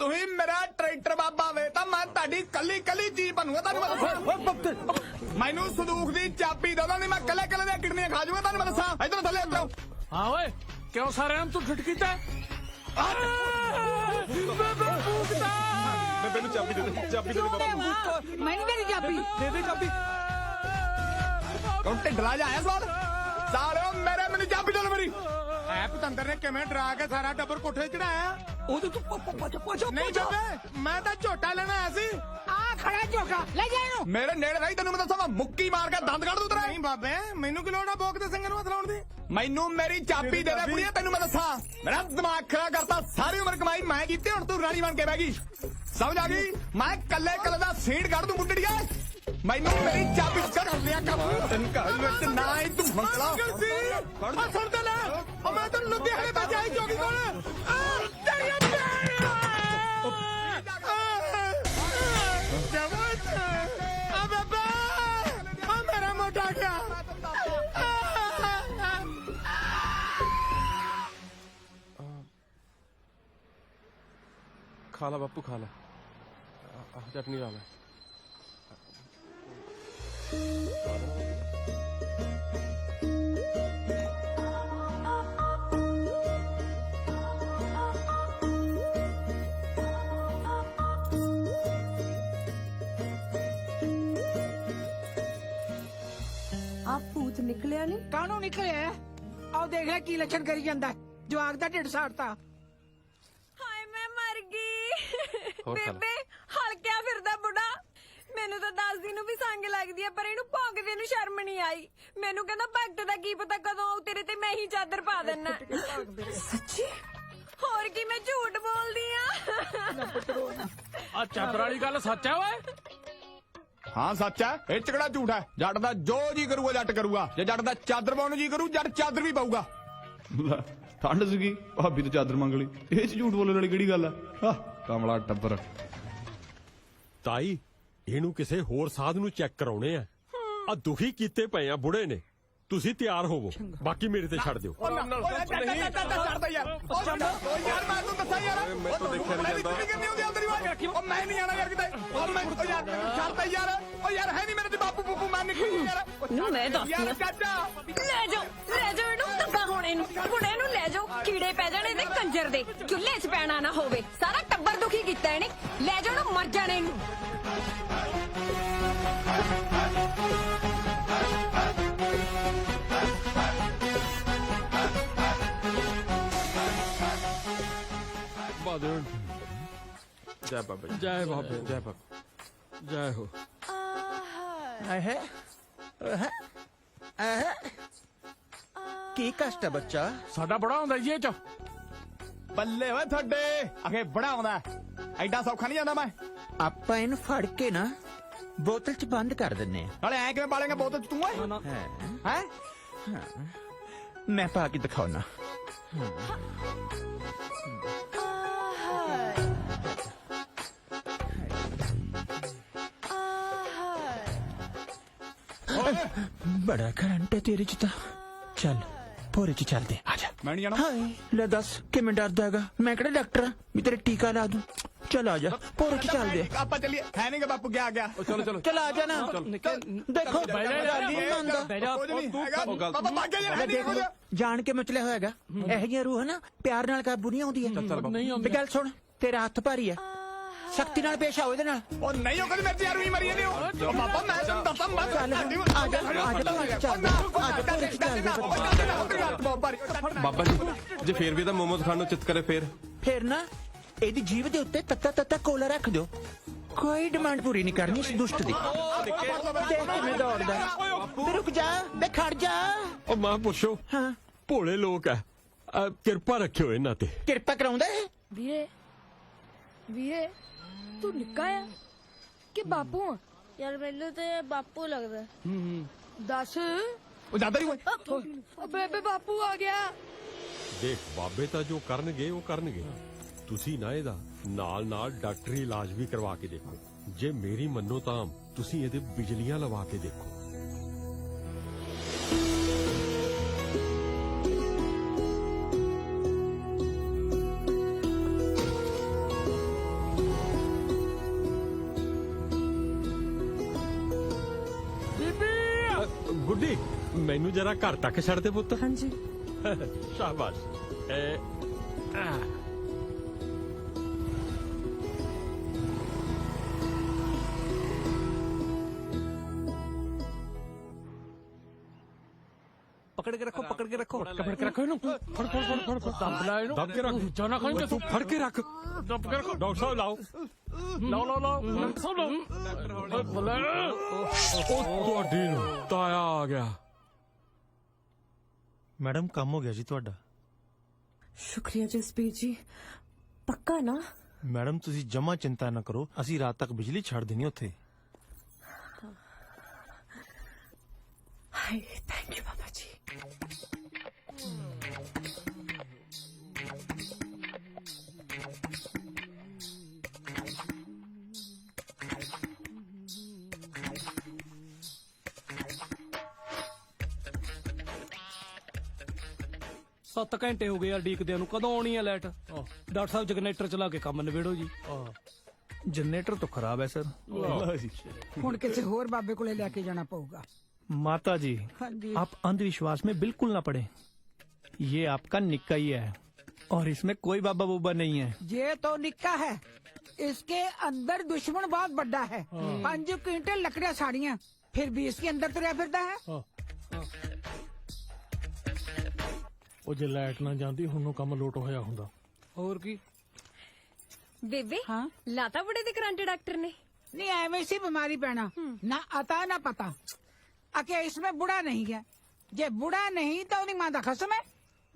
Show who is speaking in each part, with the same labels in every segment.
Speaker 1: ਤੁਸੀਂ ਮੇਰਾ ਟਰੈਕਟਰ ਬਾਬਾ ਵੇ ਤਾਂ ਮੈਂ ਤੁਹਾਡੀ ਕੱਲੀ ਕੱਲੀ ਚੀਜ਼ ਬਣੂਗਾ ਤੁਹਾਨੂੰ ਮੈਨੂੰ ਸੰਦੂਕ ਦੀ ਚਾਬੀ ਦੇ ਦੋ ਨਹੀਂ ਮੈਂ ਕੱਲੇ ਕੱਲੇ ਦੀਆਂ ਕਿਡਨੀਆਂ ਖਾ ਜਾਊਗਾ ਤੁਹਾਨੂੰ ਮੈਂ ਦੱਸਾਂ ਇਧਰ ਥੱਲੇ ਉਤਰੋ
Speaker 2: ਹਾਂ ਓਏ ਕਿਉਂ ਸਾਰਿਆਂ ਨੂੰ ਤੂੰ ਠਿੱਠ ਕੀਤਾ
Speaker 3: ਮੈਨੂੰ ਚਾਬੀ ਦੇ ਦੇ, ਚਾਬੀ ਦੇ ਦੇ ਬਾਬਾ।
Speaker 4: ਮੈਨੂੰ ਮੇਰੀ ਚਾਬੀ
Speaker 3: ਦੇ ਦੇ ਚਾਬੀ।
Speaker 1: ਕੌਣ ਢਿੱਡਲਾ ਜਾ ਆਇਆ ਸਵਾਲ ਸਾਲਿਓ ਮੇਰੇ ਮੈਨੂੰ ਚਾਬੀ ਦੇ ਮੇਰੀ ਐ ਪਤੰਦਰ ਨੇ ਕਿਵੇਂ ਡਰਾ ਕੇ ਸਾਰਾ ਟੱਬਰ ਕੋਠੇ ਚੜਾਇਆ
Speaker 2: ਉਹਦੇ ਤੂੰ ਪਾ
Speaker 1: ਨਹੀਂ ਬੇਬੇ ਮੈਂ ਤਾਂ ਝੋਟਾ ਲੈਣਾ ਆਇਆ ਸੀ
Speaker 4: ਆ ਖੜਾ ਝੋਕਾ ਲੈ ਜਾ ਇਹਨੂੰ
Speaker 1: ਮੇਰੇ ਨੇੜੇ ਰਹੀ ਤੈਨੂੰ ਮੈਂ ਦੱਸਾਂ ਮੁੱਕੀ ਮਾਰ ਕੇ ਦੰਦ ਕੱਢ ਦੂ ਤੇਰਾ ਨਹੀਂ ਬਾਬੇ ਮੈਨੂੰ ਕੀ ਲੋੜ ਆ ਬੋਕ ਦੇ ਸਿੰਘਾਂ ਨੂੰ ਹੱਥ ਲਾਉਣ ਦੀ ਮੈਨੂੰ ਮੇਰੀ ਚਾਬੀ ਦੇ ਦੇ ਕੁੜੀਏ ਤੈਨੂੰ ਮੈਂ ਦੱਸਾਂ ਮੇਰਾ ਦਿਮਾਗ ਖਰਾਬ ਕਰਤਾ ਸਾਰੀ ਉਮਰ ਕਮਾਈ ਮੈਂ ਕੀਤੀ ਹੁਣ ਤੂੰ ਰਾਣੀ ਬਣ ਕੇ ਬਹਿ ਗਈ ਸਮਝ ਆ ਗਈ ਮੈਂ ਕੱਲੇ ਕੱਲੇ ਦਾ ਸੀਟ ਕੱਢ ਦੂੰ ਮੁੰਡੜੀਆ ਮੈਨੂੰ ਮੇਰੀ ਚਾਬੀ ਕਰ ਲਿਆ ਕੰਮ ਤੈਨੂੰ ਘਰ ਵਿੱਚ ਨਾ ਹੀ ਤੂੰ ਮੰਗਲਾ ਆ ਸੁਣ ਤੇ ਲੈ ਉਹ ਮੈਂ ਤੈਨੂੰ ਲੁਧਿਆਣੇ ਤੋਂ ਜਾਈ ਚੌਕੀ ਕੋਲ ਤੇਰੀਆਂ ਜਵਾਨ ਆ ਬਾਬਾ ਆ ਮੇਰਾ ਮੋਟਾ ਗਿਆ
Speaker 3: ਖਾ ਲਾ ਬਾਪੂ ਖਾ ਲਾ ਚਟਨੀ ਲਾ ਲੈ
Speaker 5: ਆ ਭੂਤ ਨਿਕਲਿਆ ਨਹੀਂ
Speaker 4: ਕਾਹਨੂੰ ਨਿਕਲਿਆ ਆਓ ਦੇਖ ਲੈ ਕੀ ਲੱਛਣ ਕਰੀ ਜਾਂਦਾ ਜਵਾਕ ਦਾ ਢਿੱਡ ਸਾੜਤਾ
Speaker 6: ਹਾਏ ਮੈਂ ਮਰ ਗਈ
Speaker 3: ਹੋਰ ਖਾ ਲਾ।
Speaker 6: ਬੇਬੇ ਹਲਕਿਆ ਫਿਰਦਾ ਬੁੱਢਾ ਮੈਨੂੰ ਤਾਂ 10 ਦਿਨ ਨੂੰ ਵੀ ਸੰਗ ਲੱਗਦੀ ਆ ਪਰ ਇਹਨੂੰ ਭੌਂਕਦੇ ਨੂੰ ਸ਼ਰਮ ਨਹੀਂ ਆਈ ਮੈਨੂੰ ਕਹਿੰਦਾ ਭਗਤ ਦਾ ਕੀ ਪਤਾ ਕਦੋਂ ਆਉ ਤੇਰੇ ਤੇ ਮੈਂ ਹੀ ਚਾਦਰ ਪਾ ਦੇਣਾ
Speaker 5: ਸੱਚੀ
Speaker 6: ਹੋਰ ਕੀ ਮੈਂ ਝੂਠ ਬੋਲਦੀ ਆ
Speaker 2: ਆ ਚਾਦਰ ਵਾਲੀ ਗੱਲ ਸੱਚ ਆ ਓਏ
Speaker 1: ਹਾਂ ਸੱਚ ਹੈ ਇਹ ਚ ਕਿਹੜਾ ਝੂਠ ਹੈ ਜੱਟ ਦਾ ਜੋ ਜੀ ਕਰੂਗਾ ਜੱਟ ਕਰੂਗਾ ਜੇ ਜੱਟ ਦਾ ਚਾਦਰ ਪਾਉਣ ਨੂੰ ਜੀ ਕਰੂ ਜੱਟ ਚਾਦਰ ਵੀ ਪਾਊਗਾ
Speaker 7: ਠੰਡ ਸੀਗੀ ਭਾਬੀ ਤੋਂ ਚਾਦਰ ਮੰਗ ਲਈ ਇਹ ਚ ਝੂਠ ਬੋਲਣ ਵਾਲੀ ਕਿਹੜੀ ਗੱਲ ਆ ਕਮਲਾ ਟੱਬਰ
Speaker 8: ਤਾਈ ਇਹਨੂੰ ਕਿਸੇ ਹੋਰ ਸਾਧ ਨੂੰ ਚੈੱਕ ਕਰਾਉਣੇ ਆ ਆ ਦੁਖੀ ਕੀਤੇ ਪਏ ਆ ਬੁੜੇ ਨੇ ਤੁਸੀਂ ਤਿਆਰ ਹੋਵੋ ਬਾਕੀ ਮੇਰੇ ਤੇ ਛੱਡ ਦਿਓ
Speaker 1: ਛੱਡਦਾ ਯਾਰ ਉਹ ਯਾਰ ਮੈਂ ਤੈਨੂੰ ਦੱਸਾਂ ਯਾਰ
Speaker 3: ਮੈਂ ਤਾਂ ਦੇਖਿਆ ਨਹੀਂ ਜਾਂਦਾ।
Speaker 1: ਕਿੰਨੀ ਹੁੰਦੀ ਆ ਤੇਰੀ ਆਵਾਜ਼ ਉਹ ਮੈਂ ਨਹੀਂ ਆਣਾ ਯਾਰ ਕਿਤੇ ਉਹ ਮੈਂ ਉਹ ਯਾਰ ਛੱਡਦਾ ਯਾਰ ਉਹ ਯਾਰ ਹੈ ਨਹੀਂ ਮੇਰੇ ਤੇ ਬਾਪੂ ਬੂਪੂ ਮੈਂ ਨਿਕਲੀ ਯਾਰ
Speaker 6: ਨੂੰ ਮੈਂ ਦੱਸਦੀ
Speaker 1: ਯਾਰ
Speaker 6: ਆ।
Speaker 1: ਚਾਚਾ
Speaker 6: ਲੈ ਜਾਓ ਇਹਨੂੰ ਧੱਕਾ ਹੁਣ ਇਹਨੂੰ ਲੈ ਜਾਓ ਕੀੜੇ ਪੈ ਜਾਣੇ ਤੇ ਕੰਜਰ ਦੇ ਚੁੱਲ੍ਹੇ 'ਚ ਪੈਣਾ ਨਾ ਹੋਵੇ ਸਾਰਾ ਟੱਬਰ ਦੁਖੀ ਕੀਤਾ ਇਹਨੇ ਲੈ ਜਾਓ ਇਹਨੂੰ ਮਰ ਜਾਣੇ ਇਹਨੂੰ
Speaker 8: ਬਾਦਲ
Speaker 3: ਜੈ ਬਾਬਾ ਜੀ।
Speaker 8: ਜੈ ਬਾਬੇ
Speaker 3: ਜੈ ਬਾਬਾ
Speaker 8: ਜੈ ਹੋ
Speaker 9: ਕੀ ਕਸ਼ਟ ਹੈ ਬੱਚਾ
Speaker 2: ਸਾਡਾ ਬੜਾ ਹੁੰਦਾ ਜੀ ਇਹ ਚ
Speaker 1: ਬੱਲੇ ਓਏ ਤੁਹਾਡੇ ਅਖੇ ਬੜਾ ਆਉਂਦਾ ਐਡਾ ਸੌਖਾ ਨਹੀਂ ਜਾਂਦਾ ਮੈਂ
Speaker 9: ਆਪਾਂ ਇਹਨੂੰ ਫੜ ਕੇ ਨਾ ਬੋਤਲ 'ਚ ਬੰਦ ਕਰ ਦਿੰਨੇ
Speaker 1: ਨਾਲੇ ਐ ਕਿਵੇਂ ਪਾਲੇਗਾ ਬੋਤਲ ਚ ਤੂੰ ਓਏ
Speaker 9: ਆ
Speaker 1: ਹੈ
Speaker 9: ਮੈਂ ਪਾ ਕੇ ਦਿਖਾਉਣਾ ਬੜਾ ਕਰੰਟ ਹੈ ਤੇਰੇ 'ਚ ਤਾਂ ਚੱਲ ਭੋਰੇ 'ਚ ਚੱਲਦੇ ਆ ਜਾ
Speaker 1: ਮੈਂ ਨਹੀਂ ਜਾਣਾ
Speaker 9: ਹਾਏ ਲੈ ਦੱਸ ਕਿਵੇਂ ਡਰਦਾ ਹੈਗਾ ਮੈਂ ਕਿਹੜਾ ਡਾਕਟਰ ਆ ਵੀ ਤੇਰੇ ਟੀਕਾ ਲਾ ਦੂੰ ਚੱਲ ਆ ਜਾ ਭੋਰੇ 'ਚ ਚੱਲਦੇ ਆ
Speaker 1: ਆਪਾਂ ਚੱਲੀਏ ਹੈ ਨਹੀਂ ਕਿ ਬਾਪੂ ਗਿਆ ਗਿਆ
Speaker 3: ਚਲੋ ਚਲੋ
Speaker 9: ਚੱਲ ਆ ਜਾ ਨਾ ਦੇਖੋ
Speaker 2: ਬਹਿ ਜਾ ਯਾਰ,
Speaker 9: ਨਹੀਂ ਮੰਨਦਾ
Speaker 1: ਕੁਝ ਨਹੀਂ ਹੈਗਾ
Speaker 3: ਉਹ ਗੱਲ
Speaker 1: ਬਾਬਾ ਭਾਗ ਗਿਆ ਯਾਰ
Speaker 9: ਦੇਖ ਲਓ ਜਾਣ ਕੇ ਮਚਲਿਆ ਹੋਇਆ ਹੈਗਾ ਇਹੋ ਜਿਹੀਆਂ ਰੂਹ ਨਾ ਪਿਆਰ ਨਾਲ ਕਾਬੂ ਨਹੀਂ ਆਉਂਦੀ
Speaker 2: ਨਹੀਂ
Speaker 9: ਤੇ ਗੱਲ ਸੁਣ ਤੇਰਾ ਹੱਥ ਭਾਰੀ ਹੈ ਸਖਤੀ ਨਾਲ ਪੇਸ਼ ਆਓ ਇਹਦੇ ਨਾਲ
Speaker 1: ਉਹ ਨਹੀਂ ਉਹ ਕਦੀ ਮੇਰੇ ਤੇ ਯਾਰ ਵੀ ਮਰੀ ਜਾਂਦੇ ਹੋ ਉਹ ਬਾਬਾ ਮੈਂ ਤੁਹਾਨੂੰ ਦੱਸਾਂ ਮੈਂ
Speaker 9: ਚੱਲ ਆ ਜਾ
Speaker 3: ਬਾਬਾ ਜੀ ਜੇ ਫੇਰ ਵੀ ਤਾਂ ਮੋਮੋਸ ਖਾਣ ਨੂੰ ਚਿੱਤ ਕਰੇ ਫੇਰ
Speaker 9: ਫੇਰ ਨਾ ਇਹਦੀ ਜੀਭ ਦੇ ਉੱਤੇ ਤੱਤਾ ਤੱਤਾ ਕੋਲਾ ਰੱਖ ਦਿਓ ਕੋਈ ਡਿਮਾਂਡ ਪੂਰੀ ਨਹੀਂ ਕਰਨੀ ਇਸ ਦੁਸ਼ਟ ਦੀ ਦੇਖ ਕਿਵੇਂ ਦੌੜਦਾ ਤੇ ਰੁਕ ਜਾ ਬੇ ਖੜ ਜਾ
Speaker 8: ਉਹ ਮਾਂ ਪੁੱਛੋ
Speaker 9: ਹਾਂ
Speaker 8: ਭੋਲੇ ਲੋਕ ਆ ਕਿਰਪਾ ਰੱਖਿਓ ਇਹਨਾਂ ਤੇ
Speaker 9: ਕਿਰਪਾ ਕਰਾਉਂਦਾ ਇਹ
Speaker 6: ਵੀਰੇ ਤੂੰ ਨਿੱਕਾ ਆ ਕਿ ਬਾਪੂ ਆ
Speaker 10: ਯਾਰ ਮੈਨੂੰ ਤੇ ਬਾਪੂ ਲੱਗਦਾ
Speaker 6: ਦੱਸ
Speaker 1: ਉਹ ਜਾਂਦਾ ਨਹੀਂ ਓਏ
Speaker 6: ਬੇਬੇ ਬਾਪੂ ਆ ਗਿਆ
Speaker 8: ਦੇਖ ਬਾਬੇ ਤਾਂ ਜੋ ਕਰਨਗੇ ਉਹ ਕਰਨਗੇ ਤੁਸੀਂ ਨਾ ਇਹਦਾ ਨਾਲ ਨਾਲ ਡਾਕਟਰੀ ਇਲਾਜ ਵੀ ਕਰਵਾ ਕੇ ਦੇਖੋ ਜੇ ਮੇਰੀ ਮੰਨੋ ਤਾਂ ਤੁਸੀਂ ਇਹਦੇ ਬਿਜਲੀਆਂ ਲਵਾ ਕੇ ਦੇਖੋ ਬੇਟੀ ਮੈਨੂੰ ਜਰਾ ਘਰ ਤੱਕ ਛੱਡ ਦੇ ਪੁੱਤ
Speaker 5: ਹਾਂਜੀ
Speaker 8: ਸ਼ਾਬਾਸ਼
Speaker 2: ਪਕੜ ਕੇ ਰੱਖੋ ਫੜ ਕੇ ਰੱਖੋ ਇਹਨੂੰ ਫੜ ਦੱਬ ਲੈ ਇਹਨੂੰ
Speaker 8: ਦੱਬ ਕੇ ਰੱਖ
Speaker 2: ਜਾਨਾ ਖਾਈ
Speaker 8: ਤੂੰ ਫੜ ਕੇ ਰੱਖ
Speaker 2: ਦੱਬ ਕੇ ਰੱਖੋ
Speaker 8: ਡਾਕਟਰ ਸਾਹਿਬ ਲਾਓ ਤੁਹਾਡੀ ਨੂੰ ਤਾਇਆ ਆ ਗਿਆ
Speaker 11: ਮੈਡਮ ਕੰਮ ਹੋ ਗਿਆ ਜੀ ਤੁਹਾਡਾ
Speaker 5: ਸ਼ੁਕਰੀਆ ਜਸਪੀਰ ਜੀ ਪੱਕਾ ਨਾ
Speaker 11: ਮੈਡਮ ਤੁਸੀਂ ਜਮਾ ਚਿੰਤਾ ਨਾ ਕਰੋ ਅਸੀਂ ਰਾਤ ਤੱਕ ਬਿਜਲੀ ਛੱਡ ਦੇਣੀ ਉੱਥੇ
Speaker 5: ਹਾਏ ਥੈਂਕ ਯੂ ਬਾਬਾ ਜੀ
Speaker 2: ਸੱਤ ਘੰਟੇ ਹੋ ਗਏ ਯਾਰ ਡੀਕਦਿਆਂ ਨੂੰ ਕਦੋਂ ਆਉਣੀ ਹੈ ਲਾਈਟ ਡਾਕਟਰ ਸਾਹਿਬ ਜਨਰੇਟਰ ਚਲਾ ਕੇ ਕੰਮ ਨਿਬੇੜੋ ਜੀ
Speaker 11: ਜਨਰੇਟਰ ਤਾਂ ਖਰਾਬ ਹੈ ਸਰ
Speaker 4: ਹੁਣ ਕਿਸੇ ਹੋਰ ਬਾਬੇ ਕੋਲੇ ਲੈ ਕੇ ਜਾਣਾ ਪਊਗਾ
Speaker 11: माता जी
Speaker 4: हाँ जी।
Speaker 11: आप अंधविश्वास में बिल्कुल ना पड़े ये आपका निक्का ही है और इसमें कोई बाबा बुबा नहीं है
Speaker 4: ये तो निक्का है इसके अंदर दुश्मन बहुत बड़ा है 5 क्विंटल लकड़ियां साड़ियां फिर भी इसके अंदर तुरया फिरता है
Speaker 2: ਉਹ ਜੇ ਲਾਈਟ ਨਾ ਜਾਂਦੀ ਹੁਣ ਨੂੰ ਕੰਮ ਲੋਟ ਹੋਇਆ ਹੁੰਦਾ ਹੋਰ ਕੀ
Speaker 6: ਬੇਬੇ
Speaker 4: हाँ?
Speaker 6: ਲਾਤਾ ਬੁੜੇ ਦੇ ਕਰੰਟ ਡਾਕਟਰ ਨੇ
Speaker 4: नहीं ऐਵੇਂ सी बीमारी पैना ना आता ना पता आके इसमें बुढ़ा नहीं है जे बुढ़ा नहीं तो उन्हें मां दा खसम है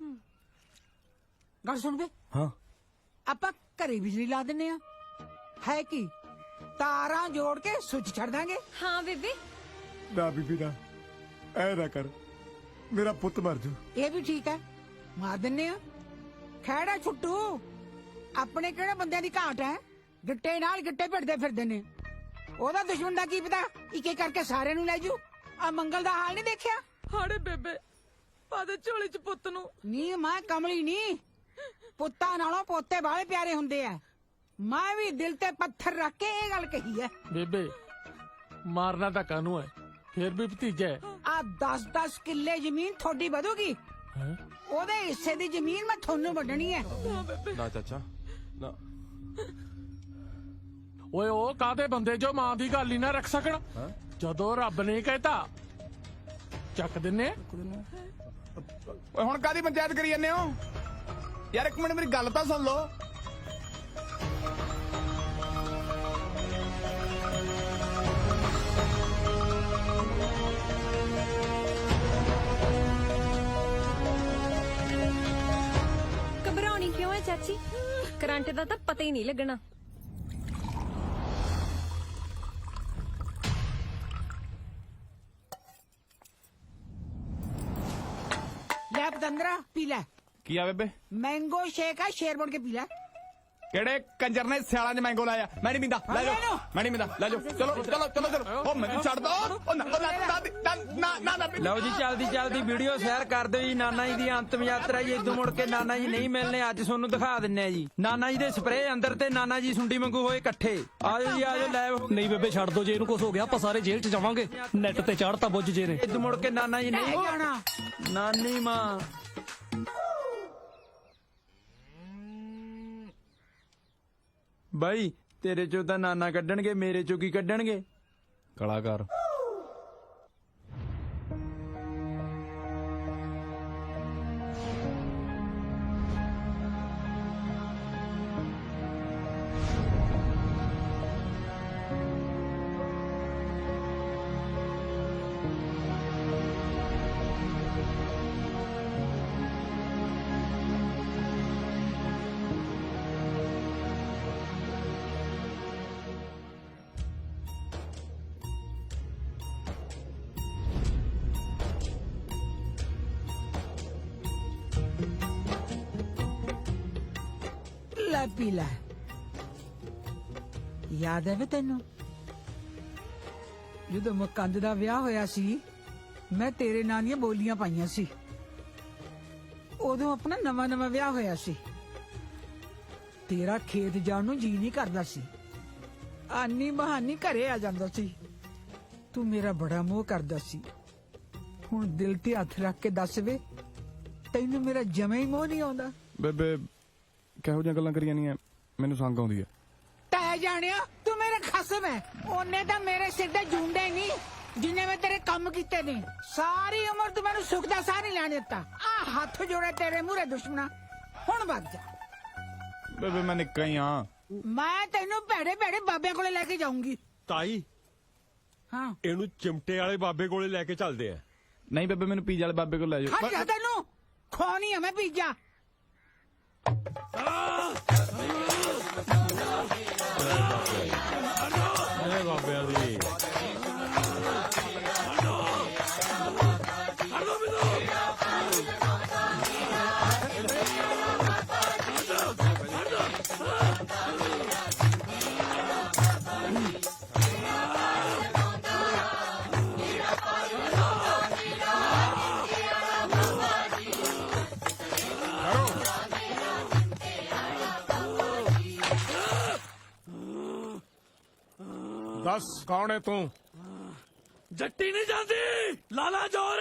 Speaker 4: गल सुन बे
Speaker 11: हाँ
Speaker 4: ਆਪਾਂ ਘਰੇ ਬਿਜਲੀ ਲਾ ਦਿੰਨੇ ਆ ਹੈ ਕੀ ਤਾਰਾਂ ਜੋੜ ਕੇ ਸੁੱਚ ਛੱਡ ਦਾਂਗੇ
Speaker 6: ਹਾਂ ਬੇਬੇ
Speaker 1: ਨਾ ਬੀਬੀ ਨਾ ਐ ਨਾ ਕਰ ਮੇਰਾ ਪੁੱਤ ਮਰ ਜੂ
Speaker 4: ਇਹ ਵੀ ਠੀਕ ਹੈ ਮਾਰ ਦਿੰਨੇ ਆ ਖੈੜਾ ਛੁੱਟੂ ਆਪਣੇ ਕਿਹੜੇ ਬੰਦਿਆਂ ਦੀ ਘਾਟ ਹੈ ਗਿੱਟੇ ਨਾਲ ਗਿੱਟੇ ਭਿੜਦੇ ਫਿਰਦੇ ਨੇ ਉਹਦਾ ਦੁਸ਼ਮਣ ਦਾ ਕੀ ਪਤਾ ਇੱਕ ਇੱਕ ਕਰਕੇ ਸਾਰਿਆਂ ਨੂੰ ਲੈ ਜੂ ਆ ਮੰਗਲ ਦਾ ਹਾਲ ਨਹੀਂ ਦੇਖਿਆ
Speaker 6: ਹਾੜੇ ਬੇਬੇ ਪਾਦੇ ਝੋਲੀ ਚ ਪੁੱਤ ਨੂੰ
Speaker 4: ਨੀ ਮੈਂ ਕਮਲੀ ਨਹੀਂ ਪੁੱਤਾਂ ਨਾਲੋਂ ਪੋਤੇ ਬਾਲੇ ਪਿਆਰੇ ਹੁੰਦੇ ਆ ਮੈਂ ਵੀ ਦਿਲ ਤੇ ਪੱਥਰ ਰੱਖ ਕੇ ਇਹ ਗੱਲ ਕਹੀ ਹੈ
Speaker 2: ਬੇਬੇ ਮਾਰਨਾ ਤਾਂ ਕਾਨੂੰ ਹੈ ਫਿਰ ਵੀ ਭਤੀਜਾ ਹੈ
Speaker 4: ਆ 10-10 ਕਿੱਲੇ ਜ਼ਮੀਨ ਤੁਹਾਡੀ ਵਧੂਗੀ ਉਹਦੇ ਹਿੱਸੇ ਦੀ ਜ਼ਮੀਨ ਮੈਂ ਤੁਹਾਨੂੰ ਵੰਡਣੀ ਹੈ
Speaker 3: ਨਾ ਚਾਚਾ ਨਾ
Speaker 2: ਓਏ ਉਹ ਕਾਦੇ ਬੰਦੇ ਜੋ ਮਾਂ ਦੀ ਗੱਲ ਹੀ ਨਾ ਰੱਖ ਸਕਣ ਜਦੋਂ ਰੱਬ ਨੇ ਕਹਿਤਾ ਚੱਕ ਦਿੰਨੇ
Speaker 1: ਓਏ ਹੁਣ ਕਾਦੀ ਪੰਚਾਇਤ ਕਰੀ ਜਾਂਦੇ ਹੋ ਯਾਰ ਇੱਕ ਮਿੰਟ ਮੇਰੀ ਗੱਲ ਤਾਂ ਸੁਣ ਲਓ
Speaker 6: ਘਬਰਾਉਣੀ ਕਿਉਂ ਹੈ ਚਾਚੀ ਕਰੰਟ ਦਾ ਤਾਂ ਪਤਾ ਹੀ ਨਹੀਂ ਲੱਗਣਾ
Speaker 4: ਲੈ ਪਤੰਦਰਾ ਪੀ ਲੈ
Speaker 1: ਕੀ ਆ ਬੇਬੇ
Speaker 4: मैंगो शेक है शेर बन के पी ले
Speaker 1: ਕਿਹੜੇ ਕੰਜਰ ਨੇ ਸਿਆਲਾਂ 'ਚ ਮੈਂਗੋ ਲਾਇਆ ਮੈਂ ਨਹੀਂ ਪੀਂਦਾ ਲੈ ਜਾਓ ਮੈਂ ਨਹੀਂ ਪੀਂਦਾ ਲੈ ਜਾਓ ਚਲੋ ਚਲੋ ਚਲੋ ਚਲੋ ਉਹ ਮੈਨੂੰ ਛੱਡ ਦੋ ਉਹ ਨਾ
Speaker 9: ਲਓ ਜੀ ਚਲਦੀ ਵੀਡੀਓ ਸ਼ੇਅਰ ਕਰ ਦਿਓ ਜੀ ਨਾਨਾ ਜੀ ਦੀ ਅੰਤਮ ਯਾਤਰਾ ਜੀ ਇਦੋਂ ਮੁੜ ਕੇ ਨਾਨਾ ਜੀ ਨਹੀਂ ਮਿਲਣੇ ਅੱਜ ਤੁਹਾਨੂੰ ਦਿਖਾ ਦਿੰਨੇ ਆ ਜੀ ਨਾਨਾ ਜੀ ਦੇ ਸਪਰੇਅ ਅੰਦਰ ਤੇ ਨਾਨਾ ਜੀ ਸੁੰਡੀ ਵਾਂਗੂ ਹੋਏ ਇਕੱਠੇ ਆਜੋ ਜੀ ਆਜੋ ਲਾਈਵ
Speaker 2: ਨਹੀਂ ਬੇਬੇ ਛੱਡ ਦੋ ਜੇ ਇਹਨੂੰ ਕੁਝ ਹੋ ਗਿਆ ਆਪਾਂ ਸਾਰੇ ਜੇਲ੍ਹ 'ਚ ਜਾਵਾਂਗੇ ਨੈਟ ਤੇ ਚਾੜਤਾ ਬੁੱਝ ਜੇ ਨੇ
Speaker 9: ਇਦੋਂ ਮੁੜ ਕੇ ਨਾਨਾ ਜੀ ਨਹੀਂ
Speaker 4: जाना
Speaker 9: ਨਾਨੀ ਮਾਂ ਬਾਈ ਤੇਰੇ ਚੋਂ ਤਾਂ ਨਾਨਾ ਕੱਢਣਗੇ ਮੇਰੇ ਚੋਂ ਕੀ ਕੱਢਣਗੇ
Speaker 7: ਕਲਾਕਾਰ
Speaker 4: ਲੈ ਪੀ ਲੈ ਯਾਦ ਹੈ ਵੇ ਤੈਨੂੰ ਜਦੋਂ ਮਕੰਦ ਦਾ ਵਿਆਹ ਹੋਇਆ ਸੀ ਮੈਂ ਤੇਰੇ ਨਾਂ ਦੀਆਂ ਬੋਲੀਆਂ ਪਾਈਆਂ ਸੀ ਉਦੋਂ ਆਪਣਾ ਨਵਾਂ ਵਿਆਹ ਹੋਇਆ ਸੀ ਤੇਰਾ ਖੇਤ ਜਾਣ ਨੂੰ ਜੀ ਨਹੀਂ ਕਰਦਾ ਸੀ ਆਨੀ ਬਹਾਨੀ ਘਰੇ ਆ ਜਾਂਦਾ ਸੀ ਤੂੰ ਮੇਰਾ ਬੜਾ ਮੋਹ ਕਰਦਾ ਸੀ ਹੁਣ ਦਿਲ ਤੇ ਹੱਥ ਰੱਖ ਕੇ ਦੱਸ ਵੇ ਤੈਨੂੰ ਮੇਰਾ ਜਮੇ ਹੀ ਮੋਹ ਨਹੀਂ ਆਉਂਦਾ।
Speaker 7: ਬੇਬੇ ਕਿਹੋ ਜਿਹੀਆਂ ਗੱਲਾਂ ਕਰੀਆਂ ਨਹੀਂ ਮੈਨੂੰ ਸੰਗ ਆਉਂਦੀ ਆ।
Speaker 4: ਤੈ ਜਾਣਿਆ ਤੂੰ ਮੇਰਾ ਖਸਮ ਹੈ। ਉਹਨੇ ਤਾਂ ਮੇਰੇ ਸਿਰ ਤੇ ਜੂੰਡੇ ਨਹੀਂ ਜਿੰਨੇ ਮੈਂ ਤੇਰੇ ਕੰਮ ਕੀਤੇ ਨੇ। ਸਾਰੀ ਉਮਰ ਤੂੰ ਮੈਨੂੰ ਸੁੱਖ ਦਾ ਸਾਹ ਨਹੀਂ ਲੈਣ ਦਿੱਤਾ। ਆ ਹੱਥ ਜੋੜੇ ਤੇਰੇ ਮੂਹਰੇ ਦੁਸ਼ਮਣਾ, ਹੁਣ ਵੱਜ ਜਾ।
Speaker 7: ਬੇਬੇ ਮੈਂ ਨਿੱਕਾ ਹੀ ਆ।
Speaker 4: ਮੈਂ ਤੈਨੂੰ ਭੈੜੇ ਭੈੜੇ ਬਾਬਿਆਂ ਕੋਲੇ ਲੈ ਕੇ ਜਾਊਂਗੀ।
Speaker 8: ਤਾਈ
Speaker 4: ਹਾਂ
Speaker 8: ਇਹਨੂੰ ਚਿਮਟੇ ਵਾਲੇ ਬਾਬੇ ਕੋਲੇ ਲੈ ਕੇ ਚੱਲਦੇ ਆ।
Speaker 7: ਨਹੀਂ ਬੇਬੇ ਮੈਨੂੰ ਪੀਜ਼ਾ ਵਾਲੇ ਬਾਬੇ ਕੋਲ ਲੈ ਜਾਓ।
Speaker 4: ਖੜ ਜਾ, ਤੈਨੂੰ ਖਵਾਉਣੀ ਆ ਮੈਂ ਪੀਜ਼ਾ।
Speaker 8: ਇਹ ਬਾਬਿਆਂ ਦੀ
Speaker 1: ਦੱਸ ਕੌਣ ਹੈ ਤੂੰ?
Speaker 2: ਜੱਟੀ ਨਹੀਂ ਜਾਂਦੀ ਲਾਲਾ ਜੋਰ।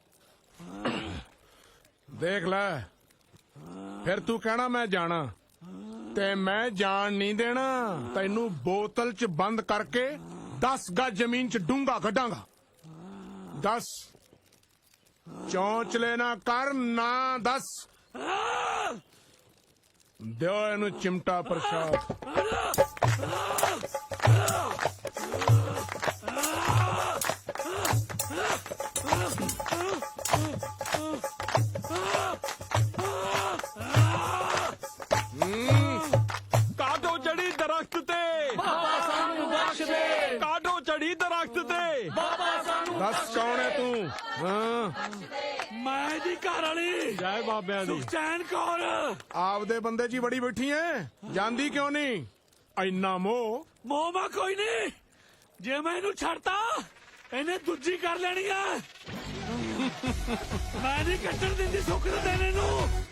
Speaker 1: ਦੇਖ ਲੈ ਫਿਰ ਤੂੰ ਕਹਿਣਾ ਮੈਂ ਜਾਣਾ ਤੇ ਮੈਂ ਜਾਣ ਨਹੀਂ ਦੇਣਾ। ਤੈਨੂੰ ਬੋਤਲ 'ਚ ਬੰਦ ਕਰਕੇ 10 ਗਜ ਜ਼ਮੀਨ 'ਚ ਡੂੰਘਾ ਕੱਢਾਂਗਾ। ਦੱਸ ਚੌਂਚਲੇ ਨਾ ਕਰ ਨਾ ਦੱਸ। ਦਿਓ ਇਹਨੂੰ ਚਿਮਟਾ ਪ੍ਰਸ਼ਾਦ।
Speaker 8: ਕਾਟੋ ਚੜੀ ਦਰਖਤ ਤੇ ਬਾਬਾ ਸਾਨੂੰ ਬਖਸ਼ ਦੇ। ਕਾਟੋ ਚੜੀ ਦਰਖਤ ਤੇ ਬਾਬਾ ਸਾਨੂੰ
Speaker 1: ਦੱਸ ਕੌਣ ਹੈ ਤੂੰ? ਹਾਂ
Speaker 2: ਮੈਂ ਦੀ ਘਰ ਵਾਲੀ
Speaker 8: ਜੈ ਬਾਬਿਆਂ ਦੀ।
Speaker 2: ਸੁਖਚੈਨ ਕੌਰ।
Speaker 1: ਆਪਦੇ ਬੰਦੇ 'ਚ ਹੀ ਬੜੀ ਬੈਠੀ ਐ, ਜਾਂਦੀ ਕਿਉਂ ਨਹੀਂ? ਇੰਨਾ ਮੋਹ
Speaker 2: ਮੋਮਾ ਕੋਈ ਨਹੀਂ, ਜੇ ਮੈਂ ਇਹਨੂੰ ਛੱਡਤਾ ਇਹਨੇ ਦੂਜੀ ਕਰ ਲੈਣੀ ਆ। ਮੈਂ ਨਹੀਂ ਕੱਟਣ ਦਿੰਦੀ ਸੁੱਖ ਦੇ ਦੇਣੇ ਨੂੰ।